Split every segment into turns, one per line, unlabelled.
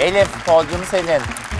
Elif, podyum senin.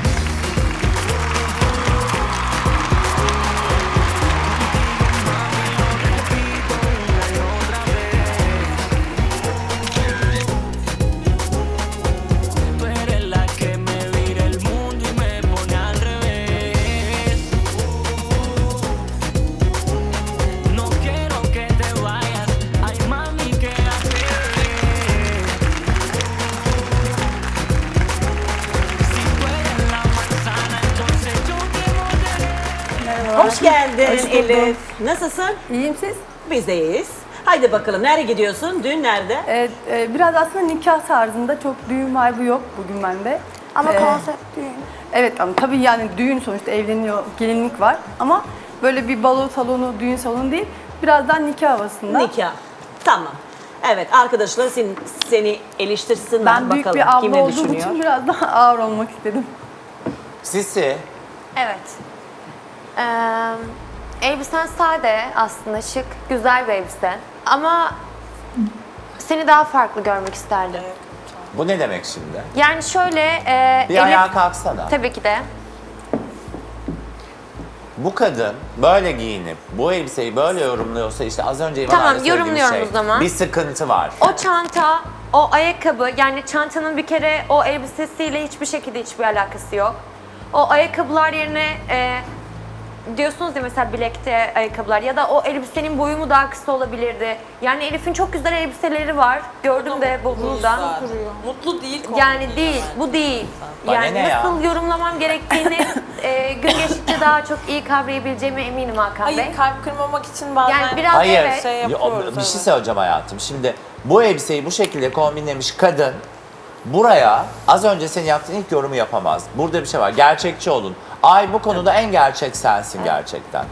Hoş geldin Elif. Nasılsın?
İyiyim siz?
Biz de iyiyiz. Haydi bakalım, nereye gidiyorsun? Düğün nerede?
Evet, biraz aslında nikah tarzında çok düğün vibe'ı yok bugün bende.
Ama konsept düğün.
Evet ama tabii yani düğün sonuçta evleniyor, gelinlik var ama böyle bir balo salonu, düğün salonu değil. Birazdan nikah havasında.
Nikah. Tamam. Evet, arkadaşlar seni eleştirsinler
Ben büyük
bakalım
bir
kim
abla
ne
olduğum
düşünüyor.
için biraz daha ağır olmak istedim.
Sisi.
Evet. Elbisen sade aslında, şık, güzel bir elbise. Ama seni daha farklı görmek isterdim.
Bu ne demek şimdi?
Yani şöyle,
Bir ayağa kalksana.
tabii ki de.
Bu kadın böyle giyinip bu elbiseyi böyle yorumluyorsa işte az önce İvan
Tamam,
abi söylediği
yorumluyorum
şey.
o zaman.
Bir sıkıntı var.
O çanta, o ayakkabı, yani çantanın bir kere o elbisesiyle hiçbir şekilde hiçbir alakası yok. O ayakkabılar yerine diyorsunuz ya mesela bilekte ayakkabılar ya da o elbisenin boyu mu daha kısa olabilirdi? Yani Elif'in çok güzel elbiseleri var. Gördüm de burada.
Mutlu değil.
Yani değil, bu değil.
Bana
Yani
ne ya?
nasıl yorumlamam gerektiğini gün geçtikçe daha çok iyi kavrayabileceğime eminim Hakan Bey.
Hayır, kalp kırmamak için bazen
Yani biraz
Hayır.
evet.
şey yapıyoruz.
Bir şey söyleyeceğim hayatım. Şimdi bu elbiseyi bu şekilde kombinlemiş kadın buraya az önce senin yaptığın ilk yorumu yapamaz. Burada bir şey var. Gerçekçi olun. Ay bu konuda en gerçek sensin gerçekten.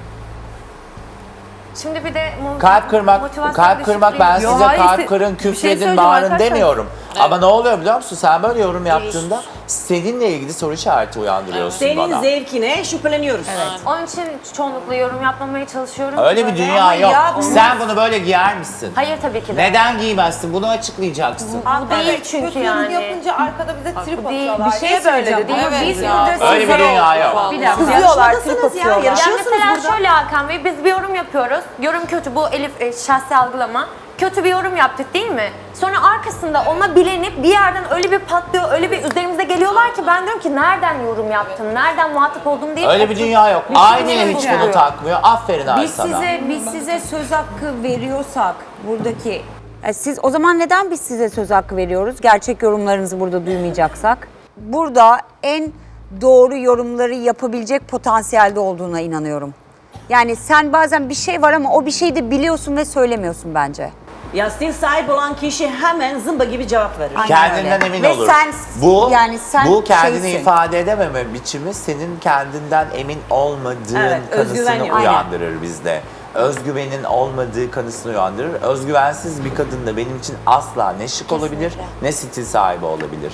Şimdi bir de
Kalp kırmak,
motivasyon
kalp kırmak ben
düşüklüğü-
Yo,
size
hayır,
kalp kırın,
bir şey
küfredin,
söyleyeceğim
bağırın
arkadaşlar.
demiyorum. Ama ne oluyor biliyor musun? Sen böyle yorum yaptığında seninle ilgili soru işareti uyandırıyorsun
Senin
bana.
zevkine şüpheleniyoruz.
Onun için çoğunlukla yorum yapmamaya çalışıyorum.
Öyle bir
Böyle.
dünya
Ama
yok.
ya bunlar-
Sen bunu böyle giyer misin?
Hayır tabii ki de.
Neden giymezsin? Bunu açıklayacaksın.
Bu değil çünkü
Kötü yorum
yani.
yapınca arkada bize trip
Değil,
atıyorlar.
bir şey söyledi değil mi?
Evet
Biz
ya.
burada
Öyle bir dünya yok.
Bir dakika.
Kızıyorlar, trip
Yarışmadasınız ya,
atıyorlar.
Yani
yarışıyorsunuz
mesela
burada.
şöyle Hakan Bey, biz bir yorum yapıyoruz. Yorum kötü, bu Elif şahsi algılama. Kötü bir yorum yaptık değil mi? Sonra arkasında ona bilenip bir yerden öyle bir patlıyor, öyle bir üzerimize geliyorlar ki ben diyorum ki nereden yorum yaptın, nereden muhatap oldum diye.
Öyle bir dünya yok. Aynaya hiç
söyleyeceğim.
bunu takmıyor. Aferin Ay
Biz
sana.
size söz hakkı veriyorsak buradaki siz o zaman neden biz size söz hakkı veriyoruz? Gerçek yorumlarınızı burada duymayacaksak. Burada en doğru yorumları yapabilecek potansiyelde olduğuna inanıyorum. Yani sen bazen bir şey var ama o bir şeyi de biliyorsun ve söylemiyorsun bence.
Yastin sahip olan kişi hemen zımba gibi cevap verir.
Aynen
Kendinden
öyle.
emin
Ve
olur.
sen-
bu
yani sen
bu kendini
şeysin.
ifade edememe biçimi senin kendinden emin olmadığın
Evet, özgüven
kanısını
yok.
uyandırır bizde. Özgüvenin olmadığı kanısını uyandırır. Özgüvensiz bir kadın da benim için asla ne şık olabilir ne stil sahibi olabilir.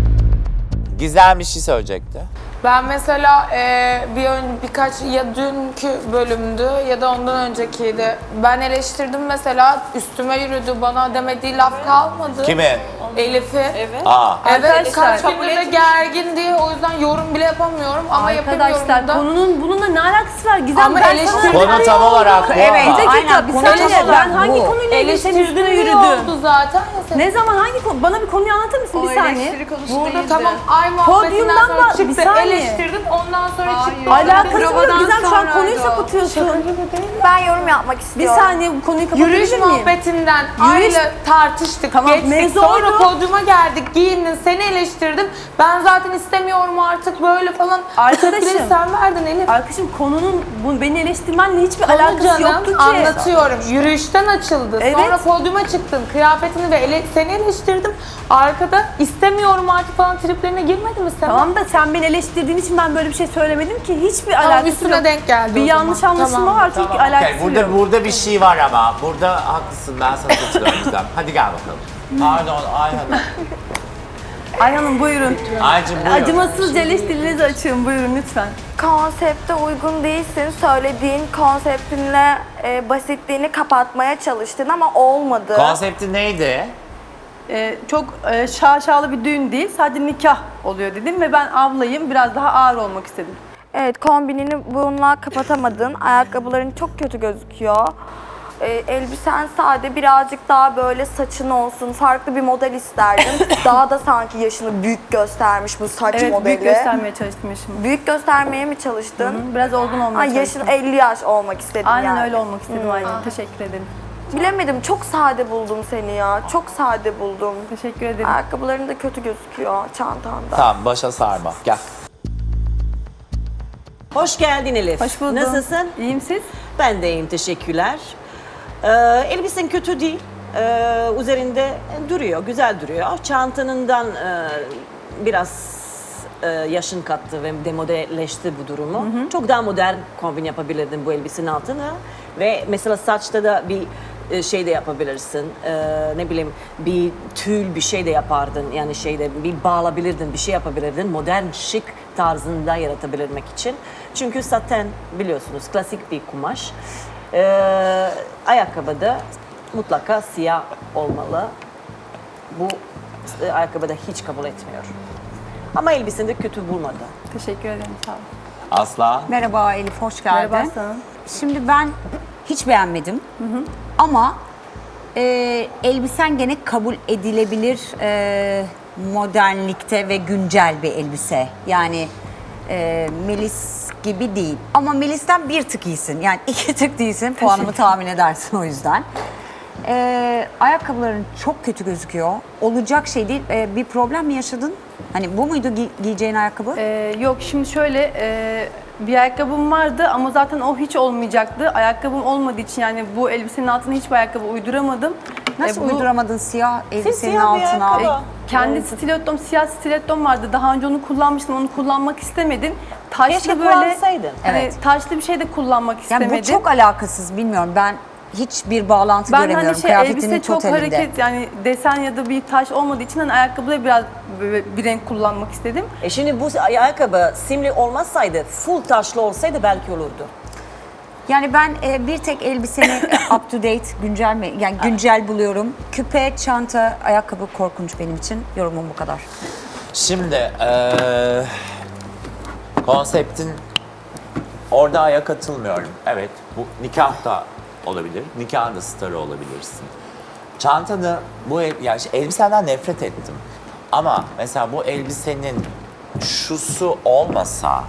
Gizem bir şey söyleyecekti.
Ben mesela birkaç ya dünkü bölümdü ya da ondan öncekiydi. Ben eleştirdim mesela, üstüme yürüdü, bana demediği laf kalmadı.
Kimi?
Elif'i. Evet.
Aa.
Evet, kaç gündür de gergin diye o yüzden yorum bile yapamıyorum ama
Arkadaşlar
yapamıyorum da.
konunun bununla ne alakası var? Gizem
Ama
ben sana...
eleştiri-
Konu tam olarak bu
Evet.
ama.
Bir dakika,
Aynen,
bir
konu
saniye.
tam olarak
Ben hangi
bu.
konuyla ilgili senin üstüne
Eleştirdiğim
yürüdüm?
oldu zaten ya senin.
Ne zaman hangi konu? Bana bir konuyu anlatır mısın bir saniye?
Burada tamam ay muhabbetinden
Podyumdan
sonra
bir
çıktı,
saniye.
eleştirdim, ondan sonra çıktı.
Alakası yok
Provadan
Gizem, şu an
sonraydı
konuyu
o.
sapıtıyorsun.
Ben yorum yapmak
Bir
istiyorum.
saniye bu konuyu
Yürüyüş
kapatabilir miyim?
muhabbetinden
Yürüyüş-
Ayla tartıştık,
Tamam,
geçtik.
mevzu
Sonra
oydu.
podyuma geldik, giyindin, seni eleştirdim. Ben zaten istemiyorum artık böyle falan.
Arkadaşım.
Tepkileri sen verdin Elif.
Arkadaşım konunun beni eleştirmenle hiçbir
Konu
alakası
canım,
yoktu ki.
anlatıyorum. Yürüyüşten açıldı.
Evet.
Sonra podyuma çıktın. Kıyafetini ve seni eleştirdim. Arkada istemiyorum artık falan triplerine girmedi mi sen?
Tamam da sen beni eleştirdiğin için ben böyle bir şey söylemedim ki. Hiçbir alakası
üstüne
yok.
denk geldi
Bir
o
yanlış
zaman.
anlaşılma
Tamam.
var çünkü alakası
Okay,
yok.
burada bir şey var ama. Burada haklısın. Ben sana katılıyorum Gizem. Hadi gel bakalım. Pardon Ayhan'ım.
Ayhan'ım buyurun.
Aycım buyur.
Acımasızca eleştirilerinizi açın buyurun lütfen.
Konsepte uygun değilsin. Söylediğin konseptinle basitliğini kapatmaya çalıştın ama olmadı.
Konsepti neydi?
çok şaşalı bir düğün değil, sadece nikah oluyor dedim ve ben ablayım, biraz daha ağır olmak istedim.
Evet, kombinini bununla kapatamadın. Ayakkabıların çok kötü gözüküyor. Elbisen sade, birazcık daha böyle saçın olsun. Farklı bir model isterdim. Daha da sanki yaşını büyük göstermiş bu saç
Evet,
modeli.
büyük göstermeye çalıştım yaşımı.
Büyük göstermeye mi çalıştın?
Hı, biraz olgun olmaya
Yaşın
çalıştım.
50 yaş olmak istedim
Aynen
yani.
öyle olmak istedim, aynen. Teşekkür ederim.
Bilemedim, çok sade buldum seni ya. Çok sade buldum.
Teşekkür ederim.
Ayakkabıların da kötü gözüküyor, çantanda.
Tamam, başa sarma. Gel.
Hoş geldin Elif.
Hoş buldum.
Nasılsın?
İyiyim, siz?
Ben de iyiyim, teşekkürler. Elbisen kötü değil. Üzerinde duruyor, güzel duruyor. Çantanından biraz yaşın kattı ve demodelleşti bu durumu. Çok daha modern kombin yapabilirdin bu elbisenin altına. Ve mesela saçta da bir şey de yapabilirsin. Ne bileyim, bir tül bir şey de yapardın. Yani şeyde bir bağlayabilirdin, bir şey yapabilirdin. Modern, şık tarzında yaratabilmek için. Çünkü saten biliyorsunuz klasik bir kumaş. Ayakkabıda mutlaka siyah olmalı. Bu ayakkabıda hiç kabul etmiyor. Ama elbisende kötü bulmadı.
Teşekkür ederim, sağ olun.
Asla.
Merhaba Elif, hoş geldin.
Merhaba Aslanım.
Şimdi ben hiç beğenmedim. Ama elbisen gene kabul edilebilir modernlikte ve güncel bir elbise. Yani Melis gibi değil. Ama Melis'ten bir tık iyisin. Yani 2 tık değilsin. Puanımı tahmin edersin o yüzden. Ayakkabıların çok kötü gözüküyor. Olacak şey değil. Bir problem mi yaşadın? Hani bu muydu giyeceğin ayakkabı?
Yok, şimdi şöyle bir ayakkabım vardı ama zaten o hiç olmayacaktı. Ayakkabım olmadığı için yani bu elbisenin altına hiçbir ayakkabı uyduramadım.
Nasıl
bu-
uyduramadın siyah elbisenin
siyah bir
altına?
ayakkabı.
Kendi stilettom, siyah stilettom vardı. Daha önce onu kullanmıştım, onu kullanmak istemedim. Taşlı
Keşke
böyle,
kullansaydın.
hani
Evet.
taşlı bir şey de kullanmak
Yani
istemedim.
bu çok alakasız, bilmiyorum. Ben hiçbir bağlantı
ben
göremiyorum
hani
kıyafetinin
elbise çok
totalinde.
hareket, yani desen ya da bir taş olmadığı için hani ayakkabıda biraz böyle bir renk kullanmak istedim.
Şimdi bu ayakkabı simli olmasaydı, full taşlı olsaydı belki olurdu.
Yani ben bir tek elbiseni up to date, güncel mi? Yani güncel buluyorum. Küpe, çanta, ayakkabı korkunç benim için. Yorumum bu kadar.
Şimdi konseptin orada aya katılmıyorum. Evet, bu nikah da olabilir. Nikahın da starı olabilirsin. Çantanı, yani elbisenden nefret ettim. Ama mesela bu elbisenin şusu olmasa,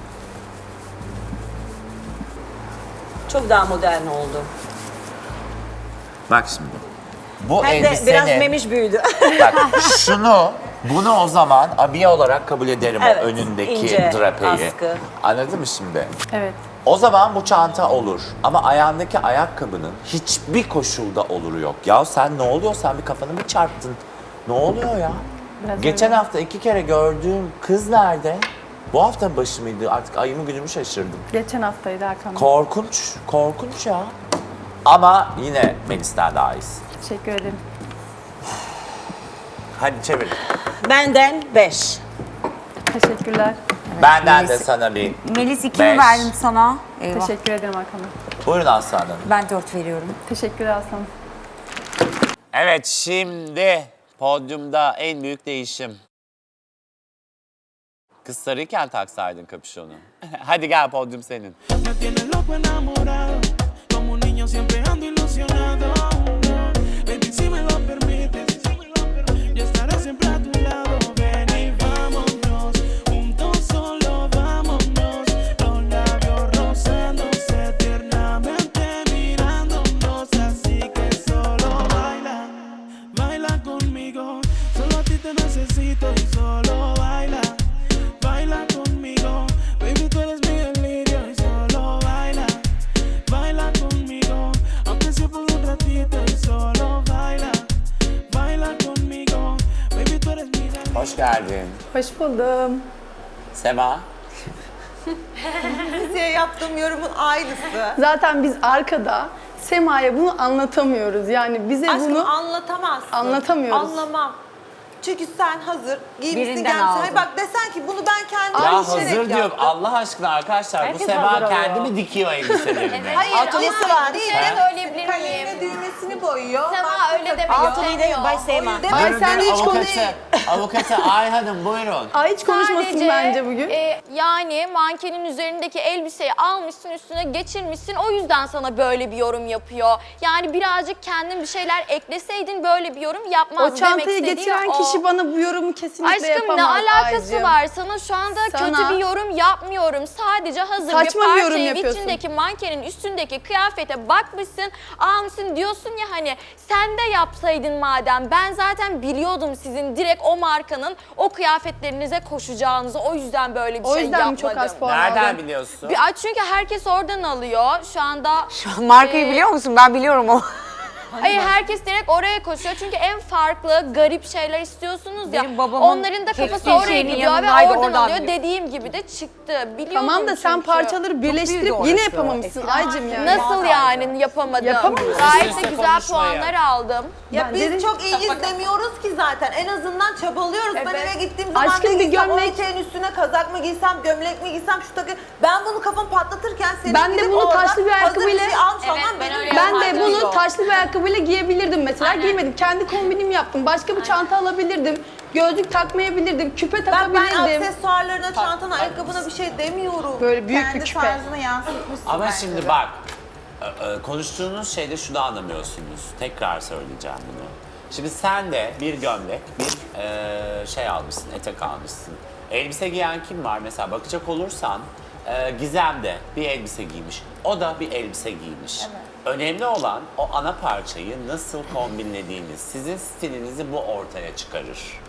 Çok daha modern oldu.
bak şimdi. Bu
Hem de
elbisenin,
biraz memiş büyüdü.
bak bunu o zaman abiye olarak kabul ederim,
Evet,
o önündeki
ince
drapeyi.
askı.
Anladın mı şimdi?
Evet.
O zaman bu çanta olur. Ama ayağındaki ayakkabının hiçbir koşulda oluru yok. Ya sen ne oluyor? Sen bir kafanı mı çarptın? Ne oluyor ya?
Biraz
Geçen
öyle.
hafta 2 kere gördüğüm kız nerede? Bu hafta başı mıydı? Artık ayımı günümü şaşırdım.
Geçen haftaydı Hakan Bey.
Korkunç, korkunç ya. Ama yine Melis'ten daha iyisin.
Teşekkür ederim.
Hadi çevir.
Benden 5.
Teşekkürler.
Benden de
Melis-
sana bir
Melis 2
5.
mi verdim sana? Eyvah.
Teşekkür ederim Hakan Bey.
Buyurun aslanım.
Ben 4 veriyorum.
Teşekkürler Aslanım.
Evet, şimdi podyumda en büyük değişim. Kız sarıyken taksaydın kapüşonu. Hadi gel, podyum senin.
Me tienes loco enamorado, como un niño siempre ando ilusionado. Baby, si me lo permites, yo estaré siempre a tu lado. Ven y vámonos, juntos solo vámonos. Los labios rozándose tiernamente mirándonos, así que solo baila, baila conmigo. Solo a ti te necesito y solo baila. Baila conmigo, baby, tú eres mi delirio y solo baila, baila conmigo, aunque sea por un ratito y solo baila, baila conmigo, baby, tú eres mi delirio.
Hoş geldin.
Hoş buldum.
Sema.
Size yaptığım yorumun aynısı.
Zaten biz arkada Sema'ya bunu anlatamıyoruz. Yani bize
Aşkım
bunu
anlatamazsın.
anlatamıyoruz.
Anlamam. Çünkü sen hazır giymişsin
Birinden
gelmişsin.
aldın.
Hayır bak desen ki bunu ben kendim
Ya
düşünerek
hazır diyor.
yaptım.
Allah aşkına arkadaşlar
Herkes
bu
hazır
Sema kendi
alıyor.
mi dikiyor elbiselerini?
Hayır
Atölyesi
ama
var.
değil.
He?
söyleyebilir
Kaleme düğmesini boyuyor.
Sema
Başka
öyle deme.
Altıyı da Bay Seyma.
Deme
Buyurun,
sen
buyurun,
hiç
avukatı Ay Hanım buyurun.
Ay hiç konuşmasın
Sadece,
bence bugün.
Yani mankenin üzerindeki elbiseyi almışsın, üstüne geçirmişsin. O yüzden sana böyle bir yorum yapıyor. Yani birazcık kendin bir şeyler ekleseydin böyle bir yorum yapmazdın.
O çantayı
Demek istediğim
getiren
o.
kişi bana bu yorumu kesinlikle
Aşkım
yapamaz.
ne alakası
Aycığım.
var? Sana şu anda
Sana-
kötü bir yorum yapmıyorum. Sadece hazır
Saçma bir
bir
yorum
parçayı
yapıyorsun.
vitrindeki mankenin üstündeki kıyafete bakmışsın, almışsın diyorsun ya hani sen de yapsaydın madem. Ben zaten biliyordum sizin direkt o markanın o kıyafetlerinize koşacağınızı. O yüzden böyle bir
O
şey
yüzden mi
yapmadım.
çok az puan
Nereden
aldın?
biliyorsun?
Çünkü herkes oradan alıyor. Şu anda
Markayı biliyor musun? Ben biliyorum o.
hayır herkes direkt oraya koşuyor. Çünkü en farklı garip şeyler istiyorsunuz ya.
Benim babamın
Onların da kafası
kestiği
oraya
şeyinin
gidiyor ve
yanındaydı,
oradan
oradan
alıyor.
biliyor.
Dediğim gibi de çıktı. Biliyordum
Tamam da sen
çünkü.
parçaları birleştirip
büyüdü
yine
orası.
yapamamışsın Aycım yani.
Nasıl yani yapamadım?
Yapamamışsın.
Gayet de
Üstüne
güzel
konuşmayın.
puanlar aldım.
Ya
Ben
biz
dedim-
çok iyiyiz demiyoruz ki zaten. En azından çabalıyoruz. Ben
Evet.
eve gittiğim zaman
Aşkım
ne
bir
giysem, o
gömlek-
eteğin üstüne kazak mı giysem, gömlek mi giysem, şu takı... Ben bunu kafam patlatırken senin
Ben de
gidip
bunu
orada
taşlı bir
hazır
ayakkabıyla-
bir şey almış olman benim
Ben de
yapmam
bunu
gerekiyor.
taşlı bir ayakkabıyla giyebilirdim mesela. Giymedim. Kendi kombinimi yaptım. Başka bir çanta alabilirdim. Gözlük takmayabilirdim. Küpe
Ben
takabilirdim.
aksesuarlarına, çantana, ayakkabına bir şey demiyorum.
Böyle büyük bir
Kendi
küpe.
tarzına yansıtmışsın
Ama
bence
şimdi
de.
bak, konuştuğunuz şeyde şunu anlamıyorsunuz. Tekrar söyleyeceğim bunu. Şimdi sen de bir gömlek, bir şey almışsın, etek almışsın. Elbise giyen kim var? Mesela bakacak olursan Gizem de bir elbise giymiş. O da bir elbise giymiş. Önemli olan o ana parçayı nasıl kombinlediğiniz. Sizin stilinizi bu ortaya çıkarır.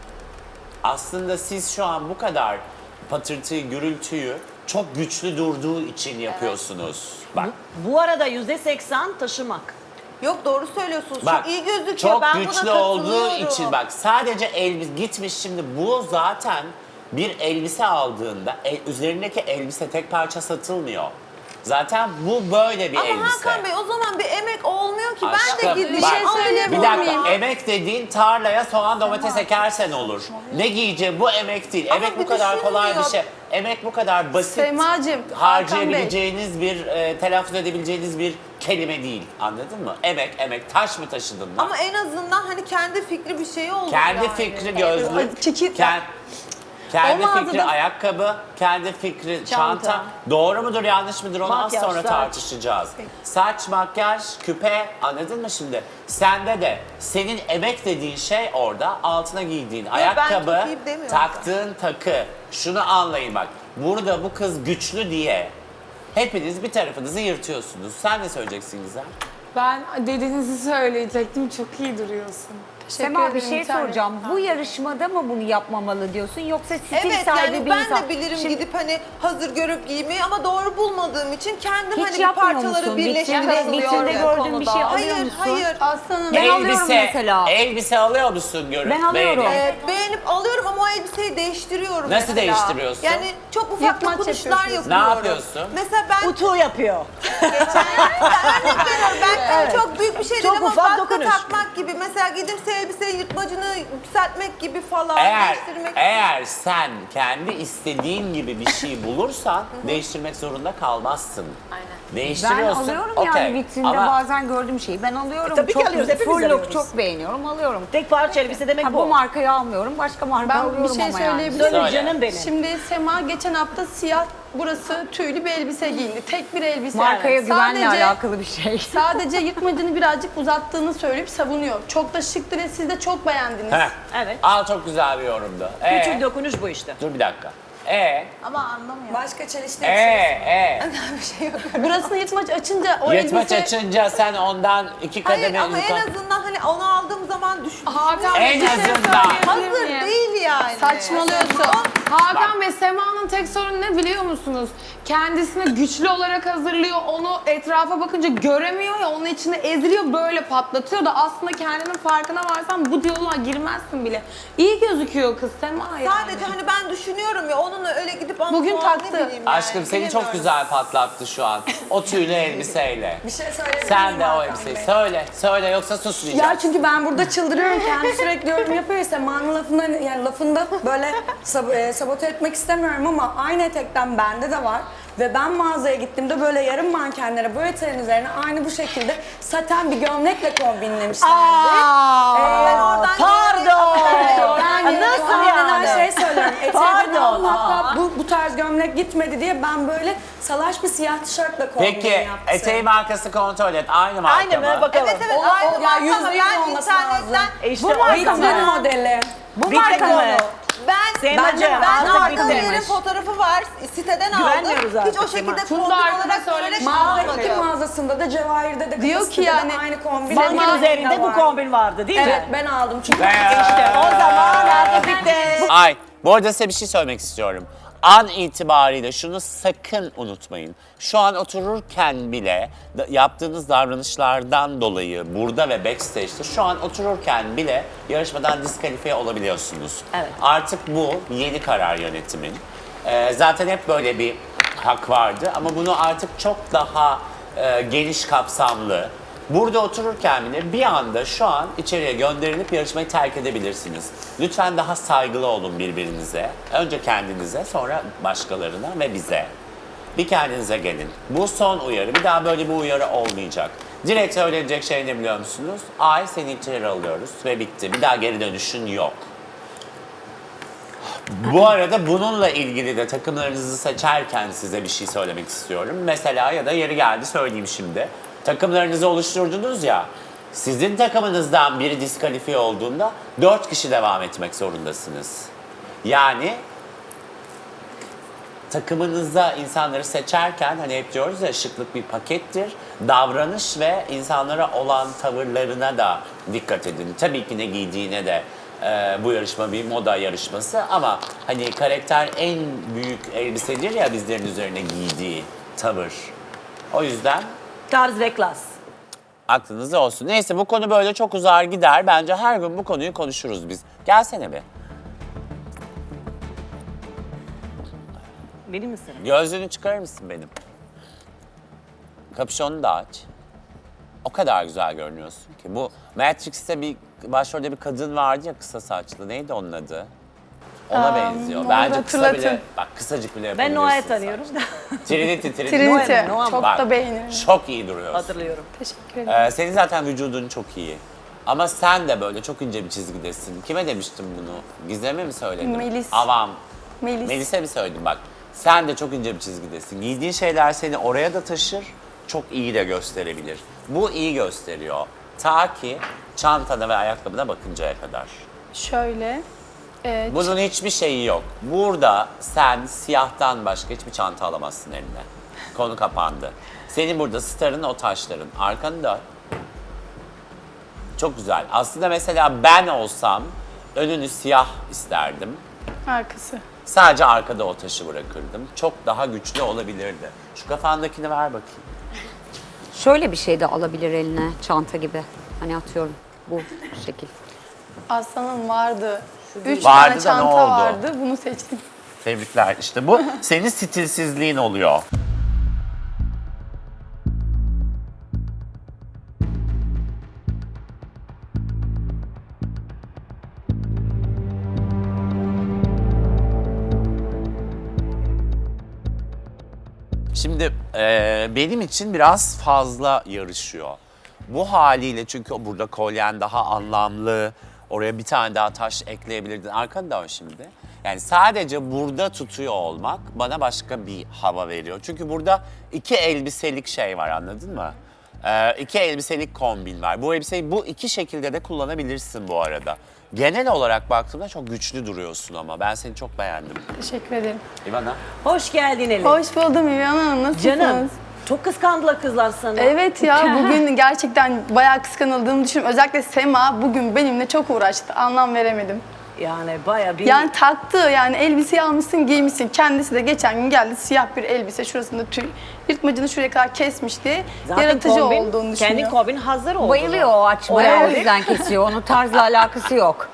Aslında siz şu an bu kadar patırtıyı, gürültüyü çok güçlü durduğu için yapıyorsunuz. Bak,
Bu arada %80 taşımak.
Yok doğru söylüyorsunuz.
bak
çok iyi gözüküyor.
çok
ben buna
güçlü olduğu
katılıyorum.
için bak sadece elbise gitmiş şimdi bu zaten bir elbise aldığında üzerindeki elbise tek parça satılmıyor. Zaten bu böyle bir
Ama
elbise.
Hakan Bey o zaman bir emek olmuyor ki. Ben
Aşkım,
de gideyim.
bak,
söyleyebilir
bir dakika,
miyim?
emek dediğin tarlaya soğan domates ekersen olur. Ne giyeceğim bu emek değil.
Ama
Emek bu
bir
kadar kolay bir
düşünmüyor.
şey. Emek bu kadar basit.
Semacığım,
Harcayabileceğiniz bir, telaffuz edebileceğiniz bir kelime değil. Anladın mı? Emek. Taş mı taşıdın lan?
Ama en azından hani kendi fikri bir şey olur
Kendi
yani.
fikri gözlük,
Çekil-
kendi
O mağazada-
fikri ayakkabı, kendi fikri çanta.
Çanta.
Doğru mudur yanlış mıdır onu az
Makyaj,
sonra
saç.
tartışacağız. Saç, makyaj, küpe anladın mı şimdi? Sende de senin emek dediğin şey orada altına giydiğin
ben
ayakkabı,
çok iyi demiyorum.
taktığın takı. Şunu anlayın bak. Burada bu kız güçlü diye hepiniz bir tarafınızı yırtıyorsunuz. Sen ne söyleyeceksin Gizem?
Ben dediğinizi söyleyecektim. Çok iyi duruyorsun.
Sema bir
ederim,
şey
bir tane.
soracağım. Bu yarışmada mı bunu yapmamalı diyorsun yoksa stil
Evet
sahibi
yani
bir
ben
insan?
de bilirim
Şimdi
gidip hani hazır görüp giymeyi ama doğru bulmadığım için kendim
hiç
hani bir
yapmıyor
parçaları
musun?
birleştirip
Vitrinde gördüğün bir şey alıyor
Hayır
musun?
hayır.
Aslanım.
Ben alıyorum mesela.
Elbise alıyor musun görüp?
Ben alıyorum.
beğenip?
Beğenip alıyorum ama o elbiseyi değiştiriyorum
Nasıl
mesela.
değiştiriyorsun?
Yani çok ufak
Yırtmaç
dokunuşlar
yapıyorsun.
Ne
yapıyorum.
yapıyorsun?
Mesela ben
Utu yapıyor.
örnek veriyorum ben çok büyük bir şey
Çok
değil ama
ufak
vatka
dokunuş.
takmak gibi. Mesela gidip elbiseyi yırtmacını yükseltmek gibi falan değiştirmek.
Eğer sen kendi istediğin gibi bir şey bulursan değiştirmek zorunda kalmazsın. Aynen.
Ben
Değiştiriyorsun.
alıyorum
okey.
yani vitrinde
Ama
bazen gördüğüm şeyi ben alıyorum.
tabii ki
çok
alıyoruz, hepimiz
full look
alıyoruz.
çok beğeniyorum alıyorum.
Tek parça elbise demek
Ha,
bu.
bu markayı almıyorum başka marka
Ben
alıyorum
bir şey
ama yani.
söyleyebilir
Söyle
miyim?
canım benim.
Şimdi Sema geçen hafta siyah burası tüylü bir elbise giyindi. Tek bir elbise.
Markaya güvenle
Sadece-
alakalı bir şey.
Sadece yırtmacını birazcık uzattığını söyleyip savunuyor. Çok da şıktı ve siz de çok beğendiniz.
Heh.
Evet.
Al çok güzel bir yorumdu.
Küçük dokunuş bu işte.
Dur bir dakika.
Ama anlamıyorum.
Başka çelişti.
Burasını yırtmaç açınca o
Yırtmaç
elbise...
açınca sen ondan iki
Hayır
kademe
ama en
yukarı.
azından hani onu aldığım zaman düşün.
Hakan
En
Bey, bir şey
azından.
söyleyebilir
Hazır
miyim?
değil yani.
Saçmalıyorsun. Hakan Bey, Sema'nın tek sorunu ne biliyor musunuz? Kendisini güçlü olarak hazırlıyor, onu etrafa bakınca göremiyor ya, onun içinde eziliyor, böyle patlatıyor da aslında kendinin farkına varsan bu diyaloğa girmezsin bile. İyi gözüküyor kız Sema yani.
Sadece hani ben düşünüyorum ya onun onu öyle gidip
Bugün
ne
taktı.
bileyim yani,
Aşkım seni çok
bilemiyorum.
güzel patlattı şu an. O tüylü elbiseyle.
Bir şey söyleyebilir
Sen
miyim
de o
Hakan
elbiseyi
Bey?
söyle yoksa susmayacağım.
Ya çünkü ben burada çıldırıyorum. Kendi sürekli yorum yapıyor. Sema'nın lafında böyle sabote etmek istemiyorum ama aynı etekten bende de var. Ve ben mağazaya gittiğimde böyle yarım mankenlere bu eteğin üzerine aynı bu şekilde saten bir gömlekle kombinlemişlerdi.
Ben oradan
Pardon.
Yani
Nasıl
aynen
yani?
şey söylüyorum.
Pardon.
Eteğden hatta bu tarz gömlek gitmedi diye ben böyle salaş bir siyah tişörtle kombin
Peki
yaptım.
eteği markası kontrol et. Aynı marka
Aynı mı? Bakalım.
Evet evet
O-
aynı
ya
marka
%100
ama ben
olması lazım.
internetten
İşte
Bu
o
vitrin
zaman.
modeli.
Bu marka mı?
ben
Semacığım,
ben
artık
aldığım
bitmemiş.
yerin fotoğrafı var. Siteden
Güvenmiyoruz
aldım. Hiç
artık
o şekilde
Sema.
kombin
Funda
olarak
arkada
böyle
Mağaza
olmadı.
iki mağazasında da Cevahir'de de
Diyor ki
Kıbrıs'ta
yani,
da aynı kombin.
Bankin
Ama
üzerinde bu
var.
kombin vardı değil mi?
Evet ben aldım çünkü
İşte o zaman artık bitti.
Ay, bu arada size bir şey söylemek istiyorum. An itibariyle şunu sakın unutmayın. Şu an otururken bile yaptığınız davranışlardan dolayı burada ve backstage'de şu an otururken bile yarışmadan diskalifiye olabiliyorsunuz.
Evet.
Artık bu yeni karar yönetimin. Zaten hep böyle bir hak vardı ama bunu artık çok daha geniş kapsamlı. Burada otururken bile bir anda şu an içeriye gönderilip yarışmayı terk edebilirsiniz. Lütfen daha saygılı olun birbirinize. Önce kendinize, sonra başkalarına ve bize. Bir kendinize gelin. Bu son uyarı. Bir daha böyle bir uyarı olmayacak. Direkt söylenecek şey ne biliyor musunuz? Ay seni içeri alıyoruz ve bitti. Bir daha geri dönüşün yok. Bu arada bununla ilgili de takımlarınızı seçerken size bir şey söylemek istiyorum. Mesela ya da yeri geldi söyleyeyim şimdi. Takımlarınızı oluşturdunuz ya, sizin takımınızdan biri diskalifiye olduğunda 4 kişi devam etmek zorundasınız. Yani takımınıza insanları seçerken hani hep diyoruz ya şıklık bir pakettir. Davranış ve insanlara olan tavırlarına da dikkat edin. Tabii ki ne giydiğine de bu yarışma bir moda yarışması ama hani karakter en büyük elbisedir ya bizlerin üzerine giydiği tavır. O yüzden
Tarz ve klas.
aklınızda olsun. Neyse bu konu böyle çok uzar gider. Bence her gün bu konuyu konuşuruz biz. Gelsene bir.
Benim misin?
Gözlüğünü çıkarır mısın benim? Kapüşonu da aç. O kadar güzel görünüyorsun ki. Bu Matrix'te bir başrolde bir kadın vardı ya kısa saçlı. Neydi onun adı? Ona benziyor.
onu
Bence kısa
hatırlatın.
bile, bak kısacık bile
Ben
yapabilirsin.
Noah'yı
saçını.
tanıyorum da
Trinity.
Trinity.
Noel,
Çok
Bak,
da beğeniyorum.
çok iyi duruyorsun.
hatırlıyorum.
Teşekkür ederim.
Senin zaten vücudun çok iyi. Ama sen de böyle çok ince bir çizgidesin. Kime demiştim bunu? Gizem'e mi söyledim?
Melis.
Avam.
Melis.
Melis'e mi söyledim bak. Sen de çok ince bir çizgidesin. Giydiğin şeyler seni oraya da taşır, çok iyi de gösterebilir. Bu iyi gösteriyor. Ta ki çantana ve ayakkabına bakıncaya kadar.
Şöyle.
Bunun hiçbir şeyi yok. Burada sen siyahtan başka hiçbir çanta alamazsın eline. Konu kapandı. Senin burada starın o taşların. Arkanı dön. Çok güzel. Aslında mesela ben olsam önünü siyah isterdim.
Arkası.
Sadece arkada o taşı bırakırdım. Çok daha güçlü olabilirdi. Şu kafandakini ver bakayım.
Şöyle bir şey de alabilir eline çanta gibi. Hani atıyorum bu şekil.
Aslanım vardı. 3
Vardı
tane
da ne
çanta
oldu?
vardı. Bunu seçtim.
Tebrikler. İşte bu senin stilsizliğin oluyor. Şimdi benim için biraz fazla yarışıyor. Bu haliyle çünkü burada kolyen daha anlamlı. Oraya bir tane daha taş ekleyebilirdin. Arkanı dön şimdi. Yani sadece burada tutuyor olmak bana başka bir hava veriyor. Çünkü burada 2 elbiselik şey var, anladın mı? 2 elbiselik kombin var. Bu elbiseyi bu 2 şekilde de kullanabilirsin bu arada. Genel olarak baktığımda çok güçlü duruyorsun ama ben seni çok beğendim.
Teşekkür ederim.
İvana?
Hoş geldin Elif.
Hoş buldum İlhan Hanım. Nasılsınız?
Canım. Çok kıskandılar kızlar sana.
Evet ya bugün gerçekten bayağı kıskanıldığımı düşünüyorum. Özellikle Sema bugün benimle çok uğraştı. Anlam veremedim.
Yani bayağı bir...
Yani taktı yani elbiseyi almışsın giymişsin. Kendisi de geçen gün geldi siyah bir elbise şurasında tüy. Yırtmacını şuraya kadar kesmişti.
Zaten
Yaratıcı
kombin,
olduğunu
kendi
düşünüyorum.
kombin hazır oldu.
Bayılıyor o açmaya, o
Evet.
yüzden kesiyor. Onun tarzla alakası yok.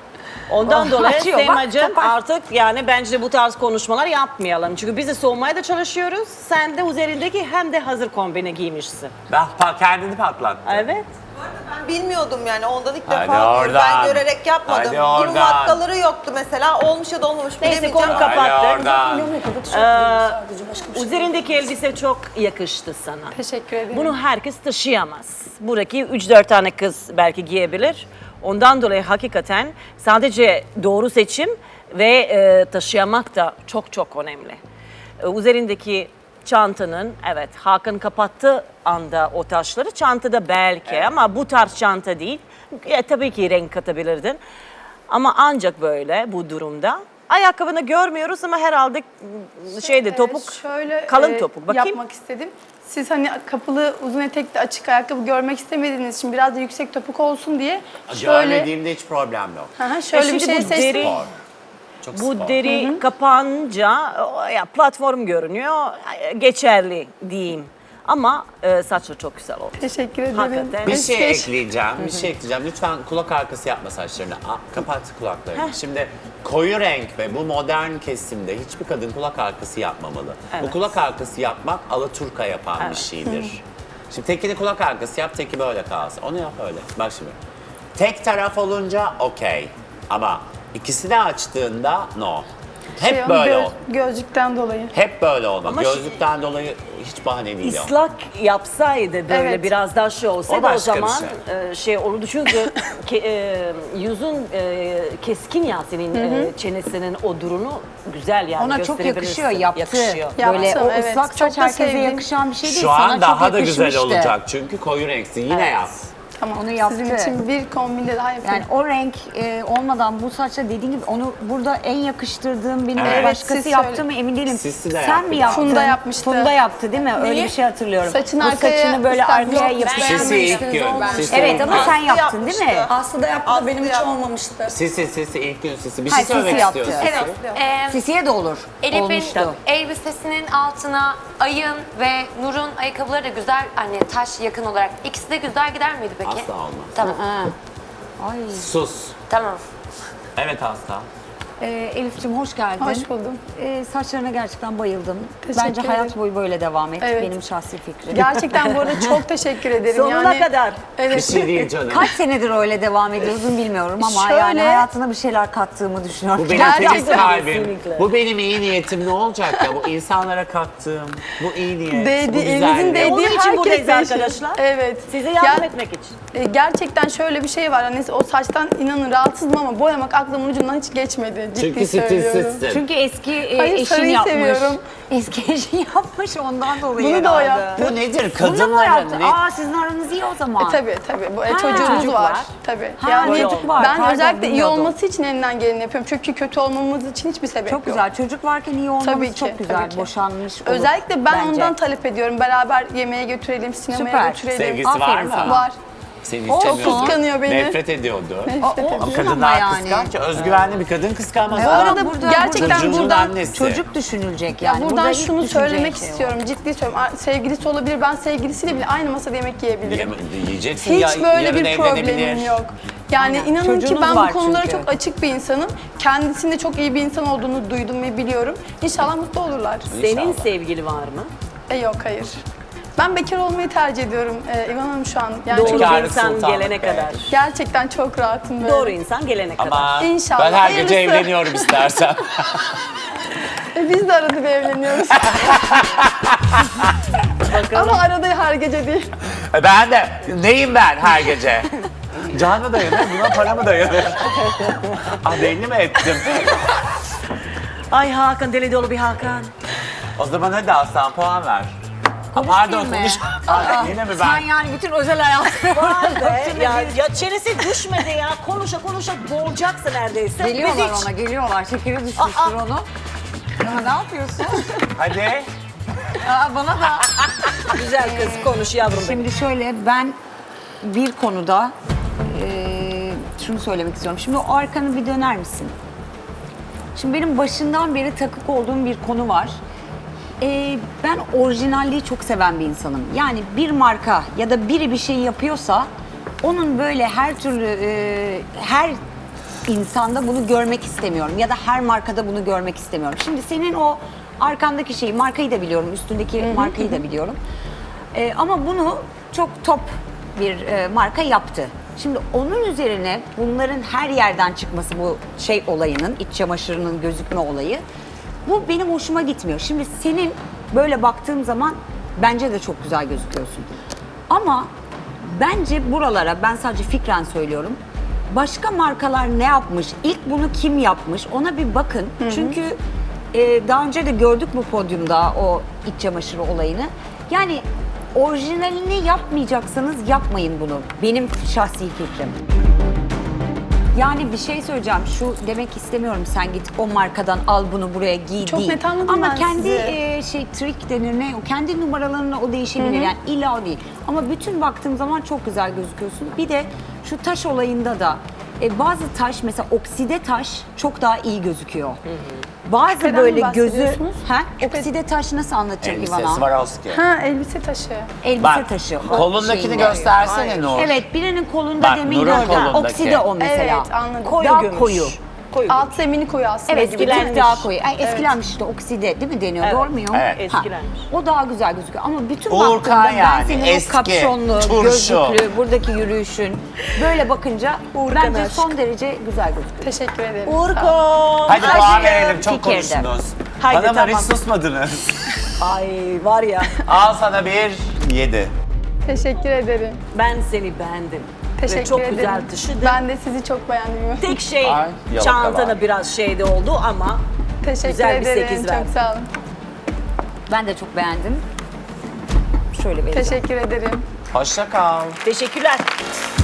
Ondan
Oh,
dolayı
açıyor, bak,
Semacığım
topar.
artık yani bence bu tarz konuşmalar yapmayalım. Çünkü biz de soğumaya da çalışıyoruz. Sen de üzerindeki hem de hazır kombine giymişsin.
Kendini patlattı.
Evet.
Ben bilmiyordum yani ondan ilk
Hadi
defa duyuyorum.
oradan.
Ben görerek yapmadım.
Hadi
Bunun
oradan.
vatkaları yoktu mesela. Olmuş ya da olmamış
Neyse
bilemeyeceğim.
konu kapattık.
oradan.
Sadece başka bir şey.
Üzerindeki elbise çok yakıştı sana.
Teşekkür ederim.
Bunu herkes taşıyamaz. Buradaki 3-4 tane kız belki giyebilir. Ondan dolayı hakikaten sadece doğru seçim ve taşıyamak da çok çok önemli. Üzerindeki çantanın, evet Hakan kapattı anda o taşları, çantada belki ama bu tarz çanta değil. Tabii ki renk katabilirdin. Ama ancak böyle bu durumda. Ayakkabını görmüyoruz ama herhalde topuk,
Şöyle
kalın topuk. Bakayım.
yapmak istedim. Siz hani kapalı, uzun etekli, açık ayakkabı görmek istemediğiniz için biraz da yüksek topuk olsun diye
Görmediğimde hiç problem yok.
şöyle bir
şimdi
şey
bu
seçtim.
deri-
Spor. Çok
Bu
spor.
deri kapanınca ya platform görünüyor, geçerli diyeyim. Ama saçı çok güzel oldu.
Teşekkür ederim.
Hakikaten.
Bir şey ekleyeceğim, bir şey ekleyeceğim. Lütfen kulak arkası yapma saçlarını. Kapat kulaklarını. Şimdi koyu renk ve bu modern kesimde hiçbir kadın kulak arkası yapmamalı. Bu
Evet.
kulak arkası yapmak alaturka yapan bir şeydir. Şimdi tekini kulak arkası yap, teki böyle kalsın. Onu yap öyle. Bak şimdi. Tek taraf olunca okey. Ama ikisini açtığında no. Hep böyle ol.
Gözlükten dolayı.
Hep böyle olma.
Ama
Gözlükten dolayı hiç bahane değil o.
İslak yapsaydı böyle
Evet.
biraz daha şey olsaydı
O
o,
başka bir
zaman şey olurdu çünkü yüzün keskin ya senin çenesinin o durunu güzel yani
Ona çok
gösterebilirsin.
yakışıyor, yaptı.
Yakışıyor.
Böyle
Yaptım,
o
evet.
ıslak
Çok
saç
da
herkese
sevdim.
yakışan bir şey değil.
Şu
Sana
an daha
çok
da güzel
yakışmıştı.
olacak çünkü koyu renksin. Yine yap.
Tamam.
Onu yaptı.
Sizin için bir kombinde daha yapayım.
Yani o renk olmadan bu saçla dediğin gibi onu burada en yakıştırdığım benim
Evet.
başkası
Siz
yaptı
söyle.
mı emin değilim.
Sisi de
Sen
yaptı
mi
galiba.
yaptın?
Funda yapmıştı.
Funda yaptı değil mi? Öyle
Neyi?
bir şey hatırlıyorum.
Saçın
bu
arkaya
saçını böyle
üstten
arkaya
yok,
yapıştırmıştı.
Sisi ilk gün. Sisi
Evet
ilk
ama
gün.
sen yaptın
yapmıştı.
değil mi?
Aslı da yaptı da benim hiç
yaptı.
olmamıştı.
Sisi ilk gün Sisi. Bir
Hayır,
şey söylemek
Sisi yaptı.
istiyorsun.
Evet.
Sisiye de olur.
Elif'in
Olmuştu.
elbisesinin altına Ay'ın ve Nur'un ayakkabıları da güzel, hani taş yakın olarak. İkisi de güzel gider miydi peki?
Asla olmaz.
Tamam.
Ay.
Sus.
Tamam.
Evet Asla.
Elif'ciğim hoş geldin.
Hoş buldum.
Saçlarına gerçekten bayıldım.
Teşekkür
Bence hayat
ederim.
boyu böyle devam et.
Evet.
Benim şahsi fikrim.
Gerçekten bu arada çok teşekkür ederim.
Sonuna kadar.
Bir
Evet.
şey değil canım.
Kaç senedir öyle devam ediyorsun bilmiyorum ama
Şöyle-
yani hayatına bir şeyler kattığımı düşünüyorum.
Bu benim
Gerçekten.
temiz kalbim.
Kesinlikle.
Bu benim iyi niyetim ne olacak ya? Bu insanlara kattığım bu iyi niyet, bu
Değdi, elinizin
güzellik.
değdiği
Onun için
herkes
buradayız
değişir.
arkadaşlar.
Evet.
Size yardım
Ger-
etmek için.
Gerçekten şöyle bir şey var. Hani o saçtan inanın rahatsızım ama boyamak aklımın ucundan hiç geçmedi. Ciddi
Çünkü
söylüyorum.
stilsizsin.
Çünkü eski
Hayır,
eşin
sarıyı
yapmış.
seviyorum.
Eski eşin yapmış ondan dolayı
Bunu da o
herhalde.
yaptı.
Bu nedir?
Bunu da mı
Kadınların
yaptı?
ne?
Aa sizin aranız iyi o zaman.
Tabii. Bu
Ha,
çocuğumuz
çocuk
var.
var.
Tabii.
Ha,
Yani
çocuk var.
ben
Pardon,
özellikle iyi
bilmiyordum.
olması için elinden geleni yapıyorum. Çünkü kötü olmamız için hiçbir sebep
Çok
yok.
güzel. Çocuk varken iyi olmamız
Tabii ki,
çok güzel.
tabii ki.
Boşanmış olup
Özellikle ben
bence.
ondan talep ediyorum. Beraber yemeğe götürelim, sinemaya
Süper.
götürelim.
Sevgisi var
Aferin
mı?
sana.
Var.
Seni
Çok
istemiyordu.
kıskanıyor beni.
Nefret ediyordu.
O
Kadınlar
ama yani.
kıskanç. Özgüvenli bir kadın kıskanmaz.
Bu
Adam
arada
burada-
gerçekten
çocuğunun
buradan
annesi.
Çocuk düşünülecek
ya
yani.
buradan
Burada ilk
şunu
düşüneceği
söylemek
şey o.
istiyorum. Ciddi söylüyorum. Sevgilisi olabilir. Ben sevgilisiyle bile aynı masada yemek yiyebilirim.
Yiyeceksin
Hiç
ya,
böyle
yarın
bir problemim
evlenebilir.
yok. Yani
Aynen.
inanın ki
Çocuğunuz
ben
var
bu konulara
çünkü.
çok açık bir insanım. Kendisinde çok iyi bir insan olduğunu duydum ve biliyorum. İnşallah mutlu olurlar.
Senin
İnşallah.
sevgili var mı?
Yok hayır. Ben bekar olmayı tercih ediyorum İvan Hanım şu an. Yani
Doğru
çok-
Bekarlık
insan
sultanlık
gelene
be.
kadar.
gerçekten çok rahatım böyle.
Doğru insan gelene kadar.
Ama
İnşallah,
ben her gece
hayırlısı.
evleniyorum istersen.
Biz de arada bir evleniyoruz. Ama arada her gece değil.
Ben de neyim ben her gece? Can mı dayanır, buna para mı dayanır? Ah belli mi ettim?
Ay Hakan, deli dolu bir Hakan.
O zaman hadi Aslan puan ver. Pardon
mi?
konuş. Yine mi
Sen
ben?
yani bütün özel hayatını
ya çenesi düşmedi ya. Konuşa konuşa boğulacaksın neredeyse.
Geliyorlar
Biz hiç-
ona, geliyorlar. Şekeri düşmüştür onu. Ya ne yapıyorsun?
Hadi.
Aa, bana da.
Güzel kız konuş yavrum benim.
Şimdi şöyle ben bir konuda şunu söylemek istiyorum. Şimdi o arkanı bir döner misin? Şimdi benim başından beri takık olduğum bir konu var. Ben orijinalliği çok seven bir insanım. Yani bir marka ya da biri bir şey yapıyorsa onun böyle her türlü her insanda bunu görmek istemiyorum. Ya da her markada bunu görmek istemiyorum. Şimdi senin o arkandaki şeyi, markayı da biliyorum, üstündeki markayı da biliyorum. Ama bunu çok top bir marka yaptı. Şimdi onun üzerine bunların her yerden çıkması, bu şey olayının, iç çamaşırının gözükme olayı, bu benim hoşuma gitmiyor. Şimdi senin böyle baktığım zaman bence de çok güzel gözüküyorsun. Ama bence buralara, ben sadece fikren söylüyorum, başka markalar ne yapmış, ilk bunu kim yapmış ona bir bakın. Çünkü daha önce de gördük bu podyumda o iç çamaşırı olayını. Yani orijinalini yapmayacaksanız yapmayın bunu. Benim şahsi fikrim. Yani bir şey söyleyeceğim. Şu demek istemiyorum, sen git o markadan al bunu buraya giy
Çok
değil.
net anladım
Ama
ben
kendi
sizi.
trik denir ne? O kendi numaralarına o değişebilir. Yani illa o değil. Ama bütün baktığım zaman çok güzel gözüküyorsun. Bir de şu taş olayında da bazı taş, mesela okside taş çok daha iyi gözüküyor. Bazı
Küpeden
böyle
mi
gözü,
bahsediyorsunuz?
okside taş nasıl anlatacağım
Elbise,
İvana?
Swarovski.
Ha, elbise taşı.
Elbise
Bak,
taşı. o
kolundakini
şeyin.
göstersene Nur.
Evet, birinin kolunda
Bak,
demin
Nur'un
gördüm.
kolundaki.
Okside o mesela.
Evet, anladım.
Koyu
Daha
gümüş.
koyu.
Koyu
Alt zemini koyu aslında.
Evet, bir tık
Eskilenmiş.
daha koyu. Ay, eskilenmiş işte, okside değil mi deniyor?
Evet.
Doğru muyum?
Evet.
Eskilenmiş.
O daha güzel gözüküyor ama bütün
Uğurkan
baktığımda ben
yani,
senin
eski,
o kapşonlu,
turşu.
gözlüklü, buradaki yürüyüşün böyle bakınca
Uğurkan
bence
aşk.
son derece güzel gözüküyor.
Teşekkür ederim.
Urko.
Hadi puan
Aşkım,
verelim, çok
fikirde.
konuştunuz.
Haydi,
Hanımlar hiç
tamam.
susmadınız.
Ay var ya,
Al sana bir 7.
Teşekkür ederim.
ben seni beğendim.
Teşekkür
Ve çok
ederim.
güzel taşıdın.
Ben de sizi çok beğendim.
Tek şey
Ay, yalaka
çantana
var.
biraz şeyde oldu ama
Teşekkür
güzel bir
ederim.
8
Çok
verdim.
sağ olun.
Ben de çok beğendim. Şöyle vereceğim.
Teşekkür ederim.
Hoşça kal.
Teşekkürler.